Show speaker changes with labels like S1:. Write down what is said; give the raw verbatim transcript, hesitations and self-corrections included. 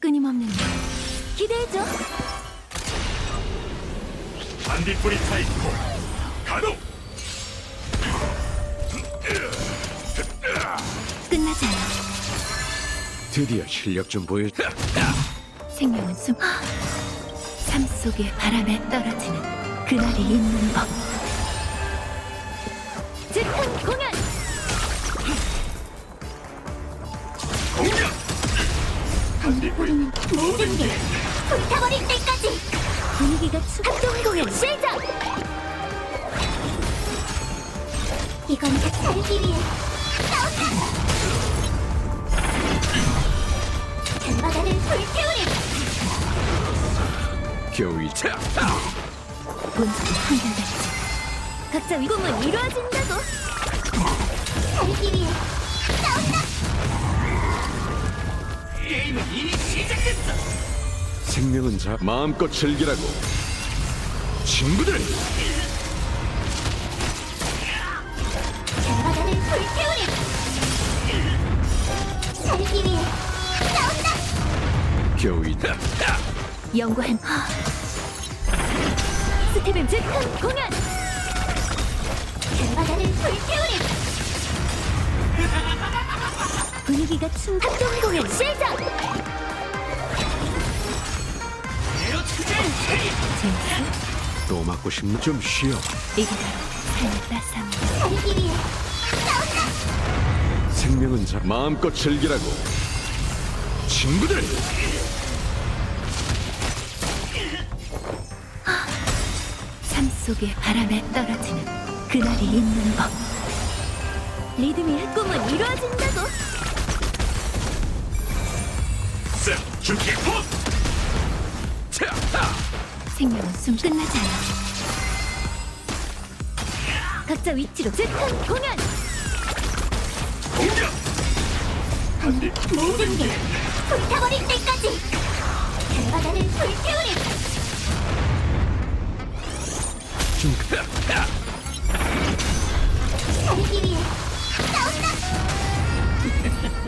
S1: 끊임없는 일 기대해줘.
S2: 반딧불이 타있고 가동!
S1: 끝나지 않아.
S3: 드디어 실력 좀 보여.
S1: 생명은 숨. 삶 속의 바람에 떨어지는 그날이 있는 법. 즉흥 공연.
S2: 공격!
S1: 반딧불이는 모든 게 불타버릴 때까지. 분위기가 추. 합동 공연 시작. 이건 살기 위해 싸운다. 바다를 불태우리.
S3: 겨우 이 차.
S1: 본성이 한결같지. 각자 위공은 이루어진다고. 살기 위해 싸운다.
S2: 게임은 이미 시작됐어!
S3: 생명은 자 마음껏 즐기라고. 친구들.
S1: 바다를 불태우리. 살기 위해 싸운다.
S3: 겨우 이
S1: 연구한 스텝은 즉흥 공연. 바다를 불태우리. 분위기가 충. 합동 공연 시작. 제우스,
S3: 또 맞고 싶나? 좀 쉬어.
S1: 이게 바로 삶의 따스함. 살기 위해 싸운다.
S3: 생명은 자 마음껏 즐기라고. 친구들.
S1: 삶 속의 바람에 떨어지는 그날이 있는 법. 리듬이 꿈은 이루어진다고.
S2: 쌤! 준비 폼!
S3: 차.
S1: 생명은 숨. 끝나지 않아. 각자 위치로 즉흥 공연.
S2: 공격!
S1: 모든 게 불타버릴 때까지. 바다를 불태우리.
S3: 좀
S1: 살기 위해 싸운다.